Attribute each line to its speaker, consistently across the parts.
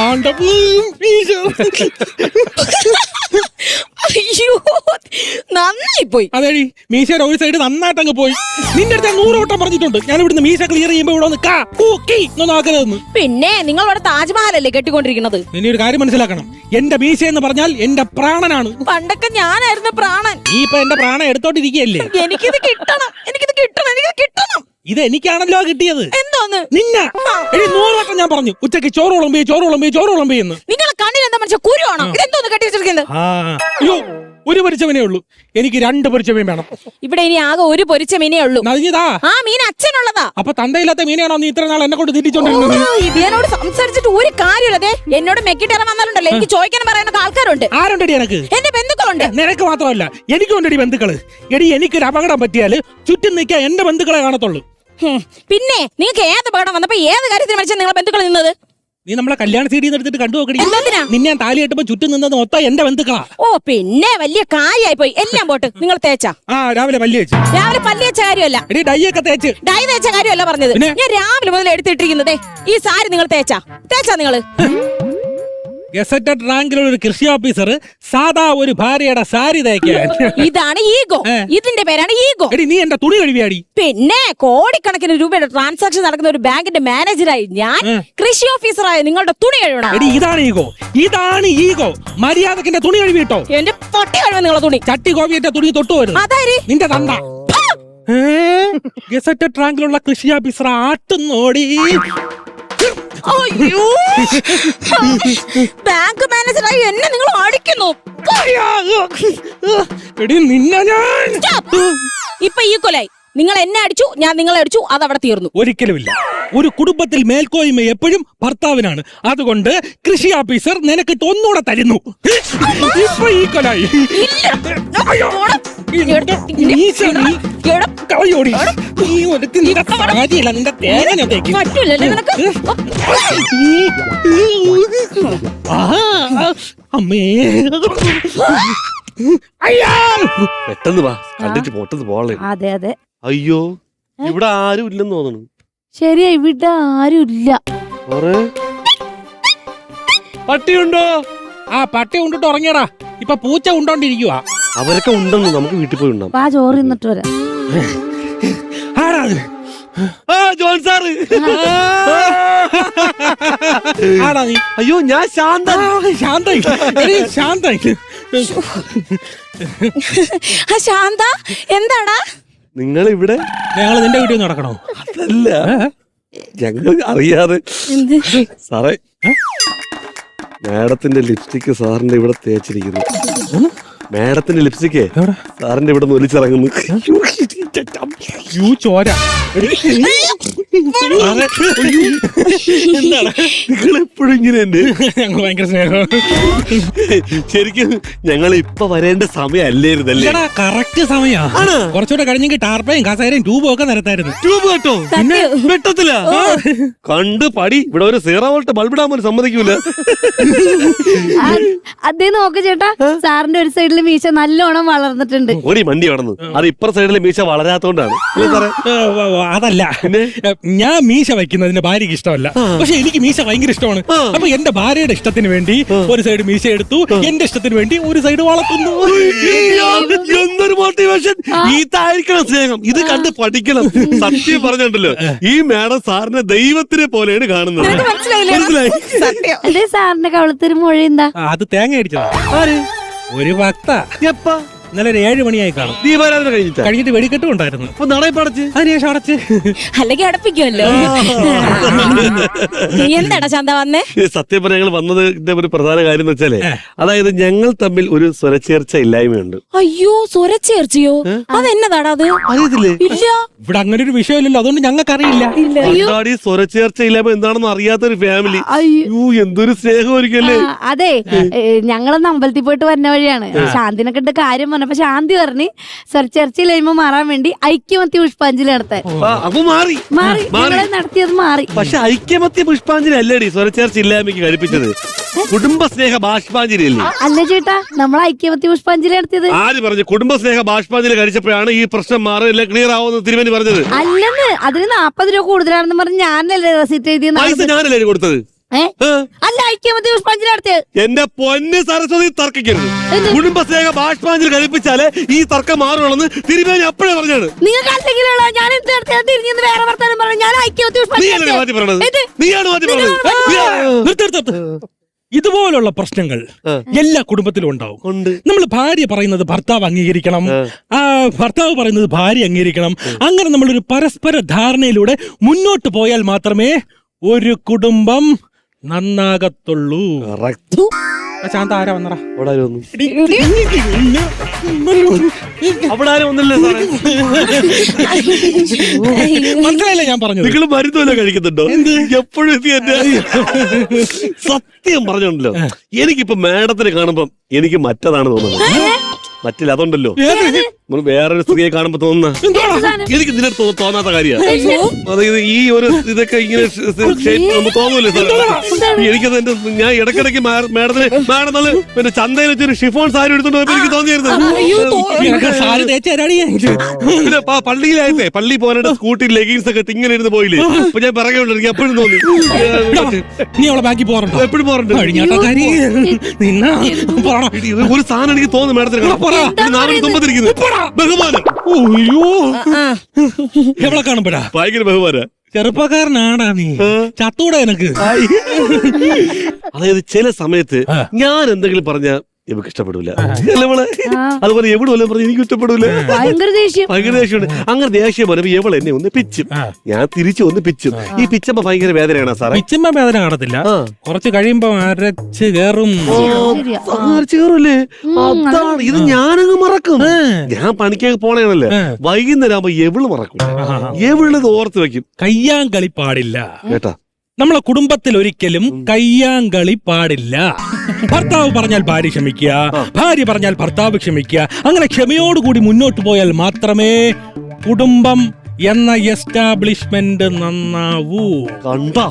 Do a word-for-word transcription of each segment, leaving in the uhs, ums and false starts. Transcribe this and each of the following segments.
Speaker 1: അയ്യോ നന്നായി പോയി.
Speaker 2: അതേടി മീശയുടെ ഒരു സൈഡ് നന്നായിട്ട് അങ്ങ് പോയി. നിന്റെ അടുത്ത് നൂറ് വട്ടം പറഞ്ഞിട്ടുണ്ട് ഞാൻ ഇവിടുന്ന് മീശ ക്ലിയർ ചെയ്യുമ്പോ ഇവിടെ ഒന്ന് കാ കൂക്കി നോക്കരുതെന്ന്.
Speaker 1: പിന്നെ നിങ്ങൾ ഇവിടെ താജ്മഹലല്ലേ കെട്ടിക്കൊണ്ടിരിക്കുന്നത്?
Speaker 2: ഇനി ഒരു കാര്യം മനസ്സിലാക്കണം, എന്റെ മീശ എന്ന് പറഞ്ഞാൽ എന്റെ പ്രാണനാണ്.
Speaker 1: പണ്ടൊക്കെ ഞാനായിരുന്നു പ്രാണൻ.
Speaker 2: ഈ ഇപ്പൊ എന്റെ പ്രാണൻ എടുത്തോണ്ടിരിക്കുകയല്ലേ.
Speaker 1: എനിക്കിത് കിട്ടണം, എനിക്കിത് കിട്ടണം, എനിക്കിത് കിട്ടണം.
Speaker 2: ഇത് എനിക്കാണല്ലോ കിട്ടിയത്.
Speaker 1: എന്തോന്ന്
Speaker 2: നിന്ന എടി നൂറ് വട്ടം ഞാൻ പറഞ്ഞു ഉച്ചക്ക് ചോറ് വിളമ്പി ചോറ് വിളമ്പി ചോറ് വിളമ്പി എന്ന്.
Speaker 1: നിങ്ങളെ കണ്ണിൽ എന്താ മനുഷ്യ കുരുവാണോ? ഇതെന്തോന്ന് കെട്ടി വെച്ചിരിക്കുന്നത്?
Speaker 2: അയ്യോ ഒരു പൊരിച്ചമീനേ ഉള്ളൂ, എനിക്ക് രണ്ട് പൊരിച്ചമീൻ വേണം.
Speaker 1: ഇവിടെ ഇനി ആകെ ഒരു പൊരിച്ച മീനേ ഉള്ളൂ.
Speaker 2: നദിഞ്ഞതാ
Speaker 1: ആ മീൻ അച്ഛനുള്ളതാ.
Speaker 2: അപ്പൊ തന്തയില്ലാത്ത മീനാണോ നീ ഇത്ര നാൾ എന്നെ കൊണ്ട് തിരിച്ചോണ്ടിരുന്നത്?
Speaker 1: ഇതിനോട് സംസാരിച്ചിട്ട് ഒരു കാര്യമില്ലതേ. എന്നോട് മെക്കിട്ടേറെ വന്നാലുണ്ടല്ലോ എനിക്ക് ചോദിക്കാൻ പറയാനൊക്കെ ആൾക്കാരുണ്ട്.
Speaker 2: ആരുണ്ടടി എനക്ക്?
Speaker 1: എന്റെ ബന്ധുക്കളുണ്ട്.
Speaker 2: നിനക്ക് മാത്രമല്ല എനിക്കുണ്ടടി ബന്ധുക്കള്. എടി എനിക്കൊരു അപകടം പറ്റിയാല് ചുറ്റും നിൽക്കാൻ എന്റെ ബന്ധുക്കളെ കാണത്തുള്ളൂ.
Speaker 1: പിന്നെ നിങ്ങൾക്ക് ഏത് അപകടം വന്നപ്പോ ഏത് കാര്യത്തിന് മനുഷ്യൻ നിങ്ങളെ ബന്ധുക്കൾ നിന്നത്?
Speaker 2: നീ നമ്മളെ കല്യാണ സീഡിൽ നിന്ന് എടുത്തിട്ട് കണ്ടു നോക്കടി. നിന്നെ ഞാൻ താലി കെട്ടുമ്പോ ചുറ്റും നിന്നത് മൊത്തം എന്റെ ബന്ധുക്കളാ.
Speaker 1: ഓ പിന്നെ വലിയ കാര്യായി പോയി. എല്ലാം പോട്ട് നിങ്ങൾ തേച്ചാ?
Speaker 2: ആ രാവിലെ പല്ലി വെച്ച്.
Speaker 1: രാവിലെ പല്ലി വെച്ച കാര്യമല്ല,
Speaker 2: എടി ഡൈ ഒക്കെ തേച്ച്.
Speaker 1: ഡൈ തേച്ച കാര്യമല്ല പറഞ്ഞത്. ഞാൻ രാവിലെ മുതൽ എടുത്തിട്ടിരിക്കുന്നതേ ഈ സാരി നിങ്ങൾ തേച്ചാ തേച്ചാ നിങ്ങള്?
Speaker 2: ഗസറ്റഡ് റാങ്കിലുള്ള ഒരു കൃഷി ഓഫീസർ സാധാ ഒരു ഭാര്യയുടെ സാരി തേക്കാൻ.
Speaker 1: ഇതാണ് ഈഗോ. ഇതിന്റെ പേരാണ് ഈഗോ.
Speaker 2: എടി നീ എന്റെ തുണി കഴുകിയാടി.
Speaker 1: പിന്നെ കോടിക്കണക്കിന് രൂപയുടെ ട്രാൻസാക്ഷൻ നടക്കുന്ന ഒരു ബാങ്കിന്റെ മാനേജറായി ഞാൻ കൃഷി ഓഫീസറായി നിങ്ങളുടെ തുണി കഴുകണം.
Speaker 2: എടി ഇതാണ് ഈഗോ, ഇതാണ് ഈഗോ. മര്യാദക്ക് എന്റെ തുണി കഴുകിട്ടോ.
Speaker 1: എന്റെ പൊട്ടി കഴുകും നിങ്ങളെ തുണി.
Speaker 2: ചട്ടി കോവിയുടെ തുണി തൊട്ടു വരും.
Speaker 1: അതായത്
Speaker 2: നിന്റെ തണ്ട. ഗസറ്റഡ് റാങ്കിലുള്ള കൃഷി ഓഫീസർ ആട്ടുന്നോടി.
Speaker 1: അയ്യോ ബാങ്ക് മാനേജറായി എന്നെ നിങ്ങൾ അടിക്കുന്നു.
Speaker 2: നിന്നെ ഞാൻ
Speaker 1: ഇപ്പൊ ഈ കൊലായി. നിങ്ങൾ എന്നെ അടിച്ചു, ഞാൻ നിങ്ങളെ അടിച്ചു, അത് അവിടെ തീർന്നു.
Speaker 2: ഒരിക്കലുമില്ല. ഒരു കുടുംബത്തിൽ മേൽക്കോയ്മ എപ്പോഴും ഭർത്താവിനാണ്. അതുകൊണ്ട് കൃഷി ഓഫീസർ നിനക്കിട്ട് ഒന്നുകൂടെ തരുന്നു. ഇപ്പൊ ഈ കൊലായി. അമ്മേ
Speaker 3: പെട്ടെന്ന് വാ, കണ്ടിട്ട് പൊട്ടത് പോളെ.
Speaker 4: അതെ അതെ.
Speaker 3: അയ്യോ ഇവിടെ ആരും ഇല്ലെന്ന് തോന്നുന്നു.
Speaker 4: ശരിയാ, ഇവിടെ ആരും ഇല്ല.
Speaker 3: പട്ടിയുണ്ടോ?
Speaker 2: ആ പട്ടി ഉണ്ടിട്ട് ഉറങ്ങിയടാ. ഇപ്പൊ പൂച്ച ഉണ്ടോണ്ടിരിക്കുവാ.
Speaker 3: അവരൊക്കെ ഉണ്ടെന്ന് നമുക്ക് വീട്ടിൽ പോയി ഉണ്ടാവും.
Speaker 4: ആ ചോറ് തിന്നിട്ട് വരാം.
Speaker 3: John sir.
Speaker 2: ആടാ നീ?
Speaker 3: അയ്യോ ഞാൻ ശാന്ത.
Speaker 2: ശാന്ത ശാന്ത
Speaker 1: ശാന്ത എന്താടാ
Speaker 3: നിങ്ങൾ ഇവിടെ?
Speaker 2: ഞങ്ങള് നിന്റെ വീട്ടിൽ നടക്കണോ?
Speaker 3: അതല്ല, ഞങ്ങൾ അറിയാതെ. സാറേ മാഡത്തിന്റെ ലിപ്സ്റ്റിക് സാറിന്റെ ഇവിടെ തേച്ചിരിക്കുന്നു. മാഡത്തിന്റെ ലിപ്സ്റ്റിക്കേ സാറിന്റെ ഇവിടെ നിന്ന് ഒലിച്ചിറങ്ങുന്നു.
Speaker 2: ചോര.
Speaker 3: എന്താണ് നിങ്ങൾ എപ്പോഴും ഇങ്ങനെ?
Speaker 2: ഞങ്ങൾ ഭയങ്കര സ്നേഹം.
Speaker 3: ശരിക്കും ഞങ്ങൾ ഇപ്പൊ വരേണ്ട സമയമല്ലായിരുന്നല്ലേ?
Speaker 2: കറക്റ്റ് സമയാ. കുറച്ചുകൂടെ കഴിഞ്ഞെങ്കിൽ ടാർപ്പയും കസേരയും ട്യൂബും ഒക്കെ നിരത്തായിരുന്നു.
Speaker 3: ട്യൂബ് കേട്ടോ വെട്ടത്തില്ല. കണ്ട് പടി. ഇവിടെ ഒരു സീറോ വോൾട്ട് ബൾബിടാൻ പോലും സമ്മതിക്കൂല.
Speaker 4: അതേ നോക്ക് ചേട്ടാ, സാറിന്റെ ഒരു സൈഡിൽ മീശ നല്ലോണം വളർന്നിട്ടുണ്ട്.
Speaker 3: ഒരു മണ്ടി വളർന്നു. അത് ഇപ്പുറ സൈഡിലെ മീശ വളരാത്തോണ്ടാണ്.
Speaker 2: അതല്ല, ഞാൻ മീശ വയ്ക്കുന്നതിന് ഭാര്യക്ക് ഇഷ്ടമല്ല, പക്ഷെ എനിക്ക് മീശ ഭയങ്കര ഇഷ്ടമാണ്. അപ്പൊ എന്റെ ഭാര്യയുടെ ഇഷ്ടത്തിന് വേണ്ടി ഒരു സൈഡ് മീശ എടുത്തു, എന്റെ ഇഷ്ടത്തിന് വേണ്ടി ഒരു സൈഡ് വളർത്തുന്നു.
Speaker 3: എന്തൊരു മോട്ടിവേഷൻ! ഇതായിരിക്കണം സ്നേഹം. ഇത് കണ്ട് പഠിക്കണം. സത്യം പറഞ്ഞിട്ടുണ്ടല്ലോ, ഈ മാഡം സാറിനെ ദൈവത്തിനെ പോലെയാണ് കാണുന്നത്. മനസ്സിലായി?
Speaker 4: അതെ, സാറിന്റെ കവളത്തൊരു മുഴ എന്താ?
Speaker 2: അത് തേങ്ങ അടിച്ചതാ. ഒരു ഭക്ത
Speaker 3: എപ്പാ?
Speaker 2: ഇന്നലെ ഒരു ഏഴ് മണിയായി കാണും.
Speaker 3: ദീപാരാധന കഴിഞ്ഞിട്ട് കഴിഞ്ഞിട്ട്
Speaker 2: വെടിക്കെട്ടും ഉണ്ടായിരുന്നു.
Speaker 3: അപ്പൊ നടയപ്പടച്ച്
Speaker 2: അതിനുശേഷം അടച്ച്.
Speaker 1: അല്ലെങ്കിൽ അടപ്പിക്കുമല്ലോ. എന്താടാ ശാന്ത വന്നേ?
Speaker 3: സത്യം പറഞ്ഞ ഞങ്ങൾ വന്നതിന്റെ ഒരു പ്രധാന കാര്യം എന്ന് വെച്ചാലേ, അതായത് ഞങ്ങൾ തമ്മിൽ ഒരു സ്വരച്ചേർച്ച ഇല്ലായ്മയുണ്ട്.
Speaker 1: അയ്യോ സ്വരച്ചേർച്ചയോ? അതെന്നതാടാ അത്?
Speaker 3: അറിയത്തില്ലേ?
Speaker 1: ഇല്ല,
Speaker 2: ഇവിടെ അങ്ങനെ ഒരു വിഷയമില്ലല്ലോ, അതുകൊണ്ട് ഞങ്ങൾക്ക് അറിയില്ല.
Speaker 3: ഈ സ്വരച്ചേർച്ച ഇല്ലായ്മ എന്താണെന്ന് അറിയാത്തൊരു ഫാമിലി. അയ്യോ എന്തൊരു സ്നേഹമായിരിക്കല്ലേ.
Speaker 4: അതെ, ഞങ്ങളൊന്ന് അമ്പലത്തിൽ പോയിട്ട് വരുന്ന വഴിയാണ് ശാന്തിനെ കണ്ട് കാര്യം പറഞ്ഞപ്പോ ശാന്തി പറഞ്ഞ് സ്വരച്ചേർച്ചയില്ലായ്മ മാറാൻ വേണ്ടി ഐക്യമത്യ പുഷ്പാഞ്ജലി നടത്താൻ.
Speaker 3: അപ്പൊ മാറി
Speaker 4: മാറി നടത്തിയത് മാറി.
Speaker 3: പക്ഷെ ഐക്യമത്യ പുഷ്പാഞ്ജലി അല്ലേടി സ്വരച്ചേർച്ച ഇല്ലായ്മയ്ക്ക് കഴിപ്പിച്ചത്? കുടുംബ സ്നേഹ ബാഷ്പാഞ്ജലി അല്ലേ?
Speaker 4: അല്ല ചേട്ടാ, നമ്മൾ ഐക്യമത്യ പുഷ്പാഞ്ജലി നടത്തിയത്.
Speaker 3: ആര് പറഞ്ഞു? കുടുംബ സ്നേഹ ബാഷ്പാഞ്ജലി കഴിച്ചപ്പോഴാണ് ഈ പ്രശ്നം മാറില്ല, ക്ലിയർ ആവുമെന്ന് തിരുമേനി പറഞ്ഞത്.
Speaker 4: അല്ലെന്ന്, അതിന് നാപ്പത് രൂപ കൂടുതലാണെന്ന് പറഞ്ഞ് ഞാനല്ലേ റെസിറ്റ് എഴുതിയത്.
Speaker 3: പൈസ ഞാനല്ലേ കൊടുത്തത്?
Speaker 4: ഏ
Speaker 3: ആ.
Speaker 4: അല്ല ഐക്യമത്യ പുഷ്പാഞ്ജലി നടത്തിയത്.
Speaker 3: എന്റെ പൊന്ന് സരസ്വതി തർക്കിക്കരുത്. കുടുംബസ്നേഹ ബാഷ്പാഞ്ജലി കഴിപ്പിച്ചാലേ ഈ തർക്കം മാറുള്ളൂ തിരുമേനി അപ്പോഴേ പറഞ്ഞാണ്.
Speaker 4: നിങ്ങൾക്ക് അല്ലെങ്കിലുള്ള ഞാൻ എന്ത് നടത്തിയാൽ തിരിഞ്ഞെന്ന് വേറെ വർത്താനം പറഞ്ഞു. ഞാൻ ഐക്യമത്യ
Speaker 3: നീയല്ലേ
Speaker 4: പുഷ്പാഞ്ജലി
Speaker 3: മാറ്റി പറഞ്ഞത്?
Speaker 4: എന്ത്?
Speaker 3: നീയാണ് മാറ്റി പറഞ്ഞത്.
Speaker 2: നിർത്ത് നിർത്ത് നിർത്ത്. ഇതുപോലുള്ള പ്രശ്നങ്ങൾ എല്ലാ കുടുംബത്തിലും ഉണ്ടാവും.
Speaker 3: ഉണ്ട്.
Speaker 2: നമ്മൾ ഭാര്യ പറയുന്നത് ഭർത്താവ് അംഗീകരിക്കണം, ആ ഭർത്താവ് പറയുന്നത് ഭാര്യ അംഗീകരിക്കണം. അങ്ങനെ നമ്മളൊരു പരസ്പര ധാരണയിലൂടെ മുന്നോട്ട് പോയാൽ മാത്രമേ ഒരു കുടുംബം നന്നാകത്തുള്ളൂ. ആ ശാന്ത ആരാ വന്നടാ?
Speaker 3: അവിടെ ആരും വന്നു. അവിടെ ആരും ഒന്നല്ലേ സാറേ?
Speaker 2: മനസ്സിലായില്ലേ ഞാൻ പറഞ്ഞത്?
Speaker 3: നിങ്ങൾ മരുന്നല്ല കഴിക്കുന്നുണ്ടോ? എപ്പോഴും ഇത് എന്നെ സത്യം പറഞ്ഞോണ്ടല്ലോ. എനിക്കിപ്പോ മാഡത്തിനെ കാണുമ്പം എനിക്ക് മറ്റതാണ് തോന്നുന്നത്. മറ്റില്ല അതുണ്ടല്ലോ, നമ്മൾ വേറൊരു സ്ത്രീയെ കാണുമ്പോ തോന്നുന്ന എനിക്ക് ഇതിനെ തോന്നാത്ത കാര്യമാണ്. അതായത് ഈ ഒരു ഇതൊക്കെ ഇങ്ങനെ തോന്നൂല്ലേ സാർ? എനിക്കത് എന്റെ ഞാൻ ഇടയ്ക്കിടയ്ക്ക് മാഡത്തിന് മാഡം നല്ല പിന്നെ ചന്തയിൽ വെച്ചൊരു ഷിഫോൺ സാരി എടുത്തോണ്ട് പോയപ്പോ എനിക്ക് തോന്നിയായിരുന്നു. പിന്നെ പള്ളിയിലായിട്ടേ പള്ളി പോകാനായിട്ട് സ്കൂട്ടി ലെഗിൻസ് ഒക്കെ ഇട്ട് ഇങ്ങനെ ഇരുന്ന് പോയില്ലേ, അപ്പൊ ഞാൻ പറയുന്നുണ്ട് എനിക്ക് എപ്പോഴും തോന്നി.
Speaker 2: നീ അവളെ ബാക്കി പോകാറുണ്ടോ?
Speaker 3: എപ്പോഴും പോകാറുണ്ട്. ഒരു സാധനം എനിക്ക് തോന്നുന്നു മാഡത്തിന് നാനൂറ്റി തൊമ്പതിരിക്കുന്നു ബഹുമാനം.
Speaker 2: അയ്യോ എവളെ കാണുമ്പോഴാ
Speaker 3: ഭയങ്കര ബഹുമാന.
Speaker 2: ചെറുപ്പക്കാരനാടാ നീ, ചത്തൂടെ എനക്ക്.
Speaker 3: അതായത് ചില സമയത്ത് ഞാൻ എന്തെങ്കിലും പറഞ്ഞ ഇവക്ക് ഇഷ്ടപ്പെടൂല, അതുപോലെ എവിടെ വല്ലതും പറഞ്ഞ എനിക്ക് ഇഷ്ടപ്പെടൂല.
Speaker 4: ഭയങ്കര ദേഷ്യം
Speaker 3: ഭയങ്കര ദേഷ്യമുണ്ട്. അങ്ങനെ ദേഷ്യം പറയുമ്പോ എവൾ എന്നെ ഒന്ന് പിച്ചും, ഞാൻ തിരിച്ചു ഒന്ന് പിച്ചും. ഈ പിച്ചമ്മ ഭയങ്കര വേദനയാണ് സാറേ.
Speaker 2: പിച്ചമ്മ വേദന കാണത്തില്ല, കുറച്ച് കഴിയുമ്പോ അരച്ച് കേറും.
Speaker 3: കേറൂലേ? അതാണ് ഇത്. ഞാനങ്ങ് മറക്കും. ഞാൻ പണിക്കൊക്കെ പോണേണല്ലേ, വൈകുന്നേരം ആകുമ്പോ എവള് മറക്കും. എവളത് ഓർത്ത് വെക്കും.
Speaker 2: കയ്യാങ്കളി പാടില്ല
Speaker 3: കേട്ടാ.
Speaker 2: നമ്മളെ കുടുംബത്തിൽ ഒരിക്കലും കയ്യാങ്കളി പാടില്ല. ഭർത്താവ് പറഞ്ഞാൽ ഭാര്യ ക്ഷമിക്കുക, ഭാര്യ പറഞ്ഞാൽ ഭർത്താവ് ക്ഷമിക്കുക. അങ്ങനെ ക്ഷമയോടുകൂടി മുന്നോട്ട് പോയാൽ മാത്രമേ കുടുംബം എന്ന എസ്റ്റാബ്ലിഷ്മെന്റ് നന്നാവൂ.
Speaker 3: കണ്ടാ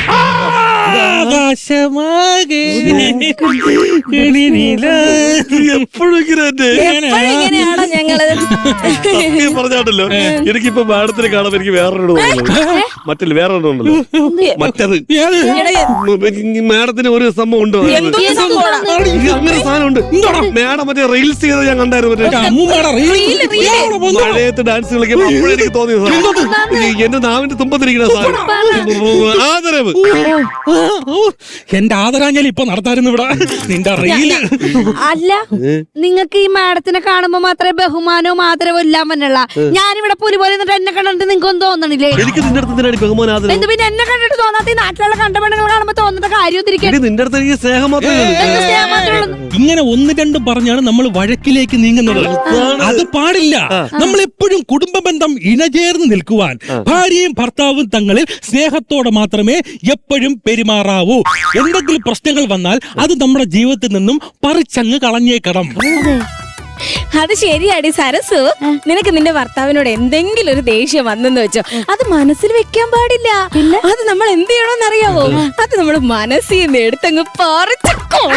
Speaker 3: എപ്പോഴും
Speaker 1: ഇങ്ങനെയാണോ ഞങ്ങള്?
Speaker 3: പറഞ്ഞാട്ടല്ലോ. എനിക്കിപ്പോ മാഡത്തിനെ കാണുമ്പോ എനിക്ക് വേറൊരു മറ്റല്ല വേറെ ഉണ്ടല്ലോ മറ്റത്. മാഡത്തിന് ഒരു സംഭവം ഉണ്ടോ? അങ്ങനെ സാധനം ഉണ്ട്. മാഡം മറ്റേ റീൽസ് ചെയ്ത് ഞാൻ കണ്ടായിരുന്നു. മഴയത്ത് ഡാൻസ് കളിക്കുമ്പോ അപ്പോഴെനിക്ക് തോന്നിയത് എന്റെ നാവിന്റെ തുമ്പത്തിരിക്കുന്ന സാധനം ആദരവ്.
Speaker 2: എന്റെ ആദരാഞ്ജലി ഇപ്പൊ നടത്തായിരുന്നു ഇവിടെ. നിന്റെ റീല്
Speaker 4: അല്ല, നിങ്ങൾക്ക് ഈ മാഡത്തിനെ കാണുമ്പോ മാത്രമേ ബഹുമാനവും ആദരവും എല്ലാം വന്നുള്ള. ഞാനിവിടെ പുലി പോലെ എന്നെ കണ്ടിട്ട് നിങ്ങൾക്ക് ഒന്നും തോന്നണില്ലേ?
Speaker 3: എനിക്ക് നിന്റെ അടുത്ത് ബഹുമാനം ആദരവ്.
Speaker 4: എന്ത് പിന്നെ എന്നെ കണ്ടിട്ട് തോന്നാത്ത ഈ നാട്ടിലുള്ള കണ്ടപെണ്ണുങ്ങൾ കാണുമ്പോ തോന്നുന്ന കാര്യം
Speaker 3: നിന്റെ അടുത്ത് എനിക്ക് സ്നേഹം മാത്രമേ.
Speaker 2: ഇങ്ങനെ ഒന്ന് രണ്ടും പറഞ്ഞാണ് നമ്മൾ വഴക്കിലേക്ക് നീങ്ങുന്നത്. അത് പാടില്ല. നമ്മൾ എപ്പോഴും കുടുംബ ബന്ധം ഇണചേർന്ന് നിൽക്കുവാൻ ഭാര്യയും ഭർത്താവും തങ്ങളിൽ സ്നേഹത്തോടെ മാത്രമേ എപ്പോഴും പെരുമാറാവൂ. എന്തെങ്കിലും പ്രശ്നങ്ങൾ വന്നാൽ അത് നമ്മുടെ ജീവിതത്തിൽ നിന്നും പറിച്ചങ്ങ് കളഞ്ഞേക്കണം.
Speaker 1: അത് ശരിയാടി സരസു. നിനക്ക് നിന്റെ ഭർത്താവിനോട് എന്തെങ്കിലും ഒരു ദേഷ്യം വന്നെന്ന് വെച്ചോ, അത് മനസ്സിൽ വെക്കാൻ പാടില്ല. അത് നമ്മൾ എന്ത് ചെയ്യണമെന്ന് അറിയാവോ? അത് നമ്മൾ മനസ്സിൽ നിന്ന് എടുത്തങ്ങ് പറിച്ചു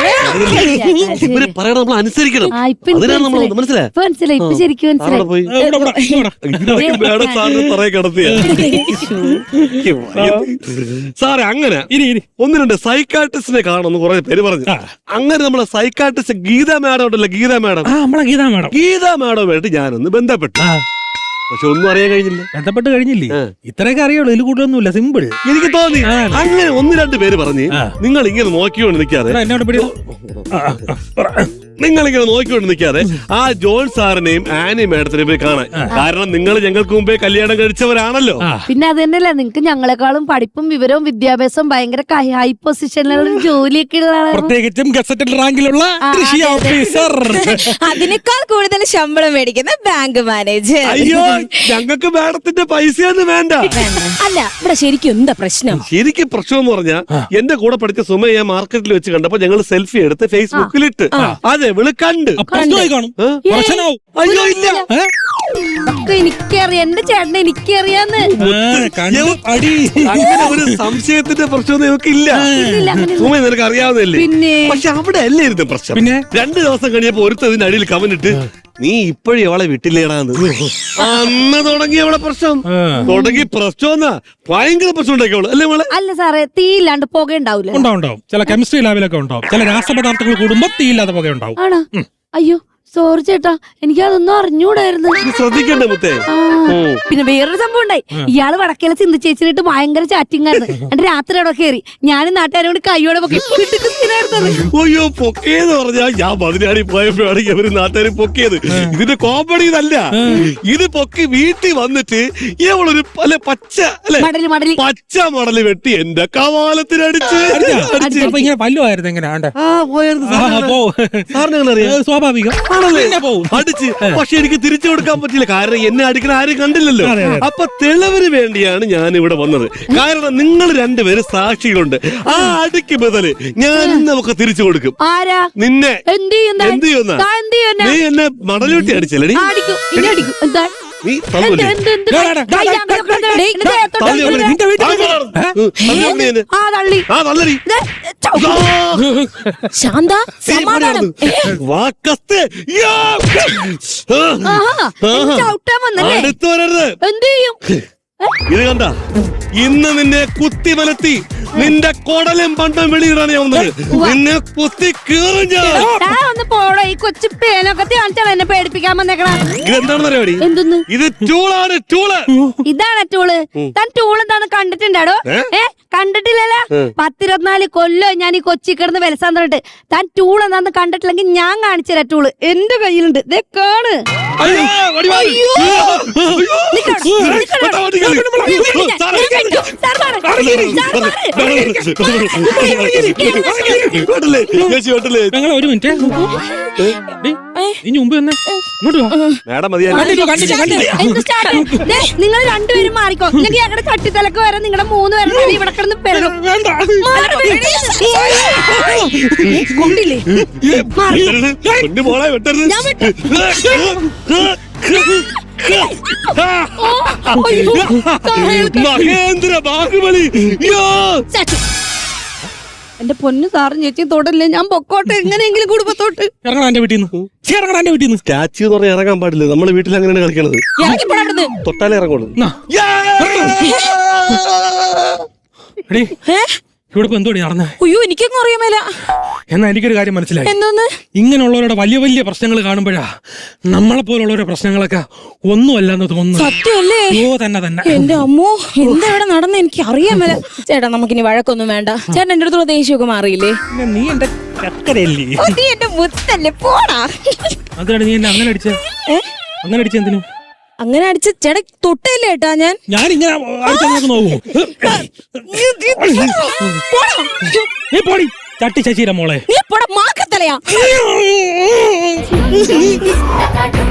Speaker 3: പറയണം, നമ്മൾ അനുസരിക്കണം. മനസ്സിലായി
Speaker 4: മനസ്സിലായി ഇപ്പൊ ശരിക്കും
Speaker 3: സാറേ. അങ്ങനെ ഒന്ന് രണ്ട് സൈക്കാട്രിസ്റ്റിനെ കാണുമെന്ന് കുറെ പേര് പറഞ്ഞു. അങ്ങനെ നമ്മളെ സൈക്കാട്രിസ്റ്റ് ഗീത മാഡം ഉണ്ടല്ലോ, ഗീത മാഡം
Speaker 2: ഗീതാ മാഡം
Speaker 3: ഗീതാ മാഡമായിട്ട് ഞാനൊന്ന് ബന്ധപ്പെട്ടു. പക്ഷെ ഒന്നും അറിയാൻ കഴിഞ്ഞില്ല.
Speaker 2: ബന്ധപ്പെട്ട് കഴിഞ്ഞില്ലേ? ഇത്രയൊക്കെ അറിയുള്ളൂ, ഇതിൽ കൂടുതലൊന്നുമില്ല, സിമ്പിൾ.
Speaker 3: എനിക്ക് തോന്നി. അങ്ങനെ ഒന്ന് രണ്ട് പേര് പറഞ്ഞ് നിങ്ങൾ ഇങ്ങനെ നോക്കിക്കൊണ്ട് നിൽക്കാതെ നിങ്ങൾ ഇങ്ങനെ നോക്കിക്കൊണ്ട് നിൽക്കാതെ ആ ജോൺ സാറിനെയും ആനി മാഡത്തിനെയും പോയി കാണാൻ. കാരണം നിങ്ങൾ ഞങ്ങൾക്ക് മുമ്പേ കല്യാണം കഴിച്ചവരാണല്ലോ.
Speaker 4: പിന്നെ അത് തന്നെയല്ല, നിങ്ങൾക്ക് ഞങ്ങളെക്കാളും പഠിപ്പും വിവരവും വിദ്യാഭ്യാസവും ഭയങ്കര ഹൈ പൊസിഷനിലുള്ള ജോലിയൊക്കെ ഉള്ള,
Speaker 2: പ്രത്യേകിച്ചും ഗസറ്റഡ് റാങ്കിലുള്ള കൃഷി ഓഫീസർ,
Speaker 1: അതിനേക്കാൾ കൂടുതൽ ശമ്പളം മേടിക്കുന്ന ബാങ്ക് മാനേജർ.
Speaker 3: അയ്യോ, ഞങ്ങൾക്ക് മാഡത്തിന്റെ പൈസയൊന്നും വേണ്ട.
Speaker 1: അല്ല, ഇവിടെ ശരിക്കും എന്താ പ്രശ്നം?
Speaker 3: ശരിക്കും പ്രശ്നം എന്ന് പറഞ്ഞാൽ എന്റെ കൂടെ പഠിച്ച സുമ ഞാൻ മാർക്കറ്റിൽ വെച്ച് കണ്ടപ്പോ ഞങ്ങൾ സെൽഫി എടുത്ത് ഫേസ്ബുക്കിലിട്ട് അതെ വിള് കണ്ട്
Speaker 2: കാണും.
Speaker 3: അയ്യോ ഇല്ല,
Speaker 4: എനിക്കറിയാം, എന്റെ ചേട്ടനെ എനിക്കറിയാന്ന്.
Speaker 3: അങ്ങനെ ഒരു സംശയത്തിന്റെ പ്രശ്നമൊന്നും ഇവർക്ക് ഇല്ല. സുമ നിനക്ക് അറിയാവുന്നല്ലേ? പക്ഷെ അവിടെ അല്ലായിരുന്നു പ്രശ്നം. പിന്നെ രണ്ടു ദിവസം കഴിഞ്ഞപ്പോ ഒരുത്തതിന്റെ അടിയിൽ കമന്റിട്ട് നീ ഇപ്പോഴും അവളെ വിട്ടില്ലേടാന്ന്. അന്ന് തുടങ്ങി അവളെ പ്രശ്നം തുടങ്ങി പ്രശ്നം എന്നാ ഭയങ്കര പ്രശ്നം ഉണ്ടാക്കിയവള് അല്ലേ മോളെ?
Speaker 4: അല്ല സാറേ, തീ ഇല്ലാണ്ട് പുക ഉണ്ടാവൂല?
Speaker 2: ഉണ്ടാവും ഉണ്ടാവും. ചില കെമിസ്ട്രി ലാബിലൊക്കെ ഉണ്ടാവും. ചില രാസപദാർത്ഥങ്ങൾ കൂടുമ്പോ തീയില്ലാതെ പുക ഉണ്ടാവും.
Speaker 4: ആണോ? അയ്യോ സോറി ചേട്ടാ, എനിക്ക് അതൊന്നും അറിഞ്ഞൂടായിരുന്നു.
Speaker 3: ശ്രദ്ധിക്കണ്ടേ മുത്തേ?
Speaker 4: പിന്നെ വേറൊരു സംഭവം ഉണ്ടായി. ഇയാള് വടക്കേല ചിന്തി ചേച്ചിട്ട് ഭയങ്കര ചാറ്റിംഗ് ആയിരുന്നു. എന്നിട്ട് രാത്രി അവിടെ കയറി ഞാനും നാട്ടുകാരും കൂടി കൈയോടെ പൊക്കി.
Speaker 3: അയ്യോ പൊക്കിയെന്ന് പറഞ്ഞാ ഞാൻ പതിനാടി പോയപ്പോഴാണെങ്കിൽ അവര് നാട്ടുകാർ പൊക്കിയത്. ഇതിന്റെ കോമഡി ഇതല്ല, ഇത് പൊക്കി വീട്ടിൽ വന്നിട്ട് ഇവളൊരു പല പച്ച അല്ലെ
Speaker 4: മടലി മടലി
Speaker 3: പച്ച മടല് വെട്ടി എന്റെ കവാലത്തിനടിച്ച്
Speaker 2: ഇങ്ങനെ പല്ലുമായിരുന്നു എങ്ങനെ ആണ്ടെ
Speaker 3: ആ പോയായിരുന്നു. സാറിന് അറിയാം
Speaker 2: സ്വാഭാവികം
Speaker 3: അടിച്ച്. പക്ഷെ എനിക്ക് തിരിച്ചു കൊടുക്കാൻ പറ്റില്ല, കാരണം എന്നെ അടിക്കണ ആരും കണ്ടില്ലല്ലോ. അപ്പൊ തെളിവിന് വേണ്ടിയാണ് ഞാൻ ഇവിടെ വന്നത്. കാരണം നിങ്ങൾ രണ്ടുപേര് സാക്ഷികളുണ്ട്. ആ അടിക്ക് ബദല് ഞാൻ നമുക്ക് തിരിച്ചു കൊടുക്കും.
Speaker 4: ആരാ?
Speaker 3: നിന്നെ.
Speaker 4: എന്ത് ചെയ്യുന്ന?
Speaker 3: എന്ത് ചെയ്യുന്ന? നീ എന്നെ മടലുവെട്ടി അടിച്ചല്ലേ? നീ തള്ളൂല്ലേ? ആ തള്ളടി.
Speaker 1: ശാന്ത സമാധാനം.
Speaker 3: അടുത്ത് വരരുത്.
Speaker 4: എന്ത് ചെയ്യും?
Speaker 3: ഇത് കണ്ട, ഇന്ന് നിന്നെ കുത്തി വലത്തി നിന്റെ കൊടലും പണ്ടം വെളിയിടാണ് ഞാൻ വന്നത്. നിന്നെ കുത്തി കീറും ഞാൻ.
Speaker 4: ഒന്ന് പോടോ, ഈ കൊച്ചു പേനൊക്കെ കാണിച്ചാണ് എന്നെ പേടിപ്പിക്കാൻ വന്നേക്കണ.
Speaker 3: ഇതെന്താണ് പരിപാടി?
Speaker 4: എന്തൊന്ന്?
Speaker 3: ഇത് ടൂളാണ്, ടൂള്.
Speaker 4: ഇതാണ് ടൂള്. താൻ ടൂൾ എന്താന്ന് കണ്ടിട്ടുണ്ടാടോ? ഏ കണ്ടിട്ടില്ലല്ലോ. പത്തിരുപത്തിനാല് കൊല്ലോ ഞാൻ ഈ കൊച്ചി കിടന്ന് വിലസാൻ തന്നിട്ട് താൻ ടൂൾ എന്താന്ന് കണ്ടിട്ടില്ലെങ്കിൽ ഞാൻ കാണിച്ചുതരാ. ടൂള് എന്റെ കയ്യിലുണ്ട്, ദേ കാണ്.
Speaker 2: ഞങ്ങൾ ഒരു മിനിറ്റ് ഇനി മുമ്പ് തന്നെ ഇങ്ങോട്ട്
Speaker 4: നിങ്ങൾ രണ്ടുപേരും മാറിക്കോ. ഞങ്ങൾക്ക് ഞങ്ങളുടെ തട്ടിത്തലക്ക് വരെ നിങ്ങളുടെ മൂന്ന് പേരുടെ ഇവിടെ കിടന്ന് പെരണം. കൊണ്ടില്ലേ?
Speaker 3: മഹേന്ദ്ര ബാഹുബലി.
Speaker 4: എന്റെ പൊന്നു സാറും ചേച്ചി തൊടല്ലേ, ഞാൻ പൊക്കോട്ടെ എങ്ങനെയെങ്കിലും കുടുംബത്തോട്ട്.
Speaker 2: ഇറങ്ങണ എന്റെ വീട്ടിൽ നിന്ന്, ഇറങ്ങണ എന്റെ വീട്ടിൽ നിന്ന്.
Speaker 3: സ്റ്റാച്യു എന്ന് പറഞ്ഞാൽ ഇറങ്ങാൻ പാടില്ല. നമ്മളെ വീട്ടിൽ അങ്ങനെയാണ് കളിക്കണത്. തൊട്ടാലേ ഇറങ്ങുള്ളൂ.
Speaker 2: ഇവിടെ ഇപ്പൊ എന്തോടി നടന്നേ?
Speaker 1: അയ്യോ എനിക്കൊന്നും അറിയാമേല.
Speaker 2: എന്നാ എനിക്കൊരു കാര്യം മനസ്സിലായി.
Speaker 1: എന്തോന്ന്?
Speaker 2: ഇങ്ങനെയുള്ളവരുടെ വലിയ വലിയ പ്രശ്നങ്ങൾ കാണുമ്പോഴാ നമ്മളെ പോലുള്ളവരുടെ പ്രശ്നങ്ങളൊക്കെ ഒന്നുമല്ലെന്ന് തോന്നുന്നു.
Speaker 1: സത്യമല്ലേ?
Speaker 2: ഓ തന്നെ തന്നെ.
Speaker 1: എന്റെ അമ്മോ, എന്താ ഇവിടെ നടന്ന എനിക്ക് അറിയാമേല. ചേട്ടാ നമുക്കിനി വഴക്കൊന്നും വേണ്ട. ചേട്ടൻ എന്റെ അടുത്തുള്ള ദേഷ്യമൊക്കെ മാറിയില്ലേ?
Speaker 2: നീ എന്റെ ചക്കരയല്ലേ?
Speaker 1: നീ എന്റെ മുത്തല്ലേ, പോടാ.
Speaker 2: അതാണ് നീ എന്നെ അങ്ങനെ അടിച്ച അങ്ങനെ അടിച്ച എന്തിനു?
Speaker 1: അങ്ങനെ അടിച്ച് ചേട്ടാ തൊട്ടല്ലേ ഏട്ടാ ഞാൻ.
Speaker 2: ഞാൻ ഇങ്ങനെ നോക്കൂ. നീ പോടി ചട്ടി ശശീര മോളെ.
Speaker 1: നീ പോടാ മാക്കത്തലയാ.